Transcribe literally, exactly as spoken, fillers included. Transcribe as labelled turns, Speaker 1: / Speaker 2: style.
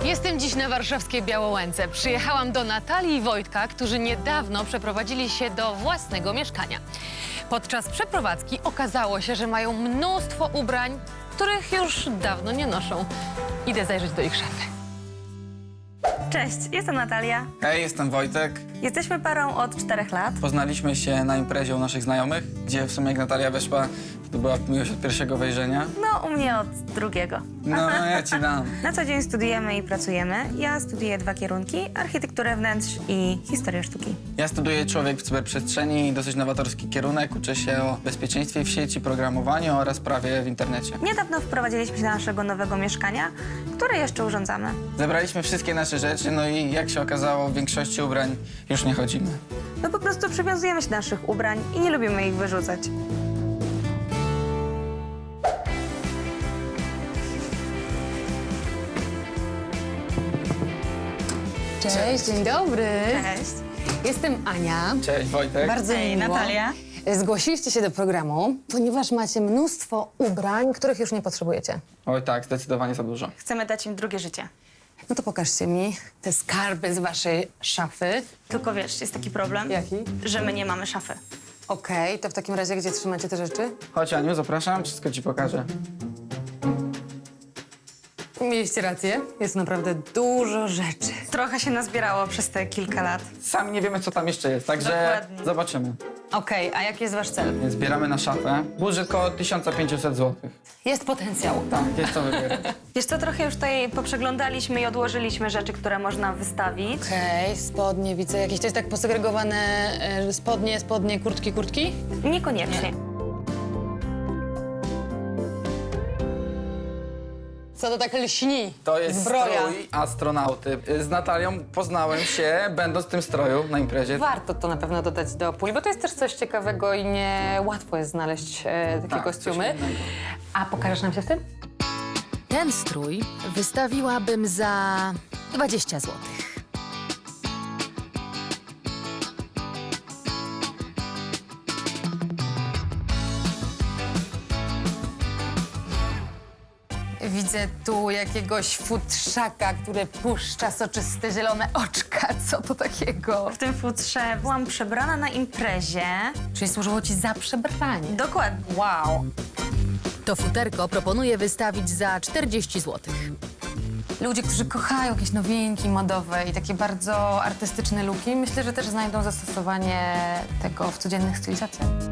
Speaker 1: Jestem dziś na warszawskiej Białołęce. Przyjechałam do Natalii i Wojtka, którzy niedawno przeprowadzili się do własnego mieszkania. Podczas przeprowadzki okazało się, że mają mnóstwo ubrań, których już dawno nie noszą. Idę zajrzeć do ich szafy.
Speaker 2: Cześć, jestem Natalia.
Speaker 3: Hej, jestem Wojtek.
Speaker 2: Jesteśmy parą od czterech lat.
Speaker 3: Poznaliśmy się na imprezie u naszych znajomych, gdzie w sumie jak Natalia weszła, to była miłość od pierwszego wejrzenia.
Speaker 2: No, u mnie od drugiego.
Speaker 3: No, ja ci dam.
Speaker 2: Na co dzień studujemy i pracujemy. Ja studiuję dwa kierunki, architekturę wnętrz i historię sztuki.
Speaker 3: Ja studiuję człowiek w cyberprzestrzeni, dosyć nowatorski kierunek. Uczę się o bezpieczeństwie w sieci, programowaniu oraz prawie w internecie.
Speaker 2: Niedawno wprowadziliśmy się do naszego nowego mieszkania, które jeszcze urządzamy.
Speaker 3: Zebraliśmy wszystkie nasze rzeczy, no i jak się okazało, w większości ubrań już nie chodzimy.
Speaker 2: My po prostu przywiązujemy się do naszych ubrań i nie lubimy ich wyrzucać.
Speaker 1: Cześć, dzień dobry.
Speaker 2: Cześć.
Speaker 1: Jestem Ania.
Speaker 3: Cześć, Wojtek.
Speaker 1: Bardzo
Speaker 2: Hej,
Speaker 1: miło.
Speaker 2: Natalia.
Speaker 1: Zgłosiliście się do programu, ponieważ macie mnóstwo ubrań, których już nie potrzebujecie.
Speaker 3: Oj tak, zdecydowanie za dużo.
Speaker 2: Chcemy dać im drugie życie.
Speaker 1: No to pokażcie mi te skarby z waszej szafy.
Speaker 2: Tylko wiesz, jest taki problem,
Speaker 1: Jaki?
Speaker 2: że my nie mamy szafy.
Speaker 1: Okej, to w takim razie gdzie trzymacie te rzeczy?
Speaker 3: Chodź, Aniu, zapraszam, wszystko ci pokażę.
Speaker 1: Mieliście rację, jest naprawdę dużo rzeczy.
Speaker 2: Trochę się nazbierało przez te kilka lat.
Speaker 3: Sami nie wiemy, co tam jeszcze jest, także
Speaker 2: Dokładnie.
Speaker 3: zobaczymy.
Speaker 1: Okej, a jaki jest wasz cel?
Speaker 3: Więc zbieramy na szafę. Budżet około tysiąc pięćset złotych.
Speaker 1: Jest potencjał.
Speaker 3: Tak, jest co wybierać.
Speaker 2: Wiesz co, trochę już tutaj poprzeglądaliśmy i odłożyliśmy rzeczy, które można wystawić.
Speaker 1: Okej, spodnie, widzę jakieś, to jest tak posegregowane e, spodnie, spodnie, kurtki, kurtki?
Speaker 2: Niekoniecznie.
Speaker 1: Co to tak lśni?
Speaker 3: To jest
Speaker 1: Zbroja.
Speaker 3: strój astronauty. Z Natalią poznałem się, będąc w tym stroju na imprezie.
Speaker 1: Warto to na pewno dodać do puli, bo to jest też coś ciekawego i nie łatwo jest znaleźć e, takie
Speaker 3: Tak,
Speaker 1: kostiumy.
Speaker 3: coś innego.
Speaker 1: A pokażesz nam się w tym?
Speaker 4: Ten strój wystawiłabym za dwadzieścia złotych.
Speaker 1: Widzę tu jakiegoś futrzaka, który puszcza soczyste zielone oczka. Co to takiego?
Speaker 2: W tym futrze byłam przebrana na imprezie.
Speaker 1: Czyli służyło ci za przebranie.
Speaker 2: Dokładnie.
Speaker 1: Wow.
Speaker 4: To futerko proponuję wystawić za czterdzieści złotych.
Speaker 1: Ludzie, którzy kochają jakieś nowinki modowe i takie bardzo artystyczne luki, myślę, że też znajdą zastosowanie tego w codziennych stylizacjach.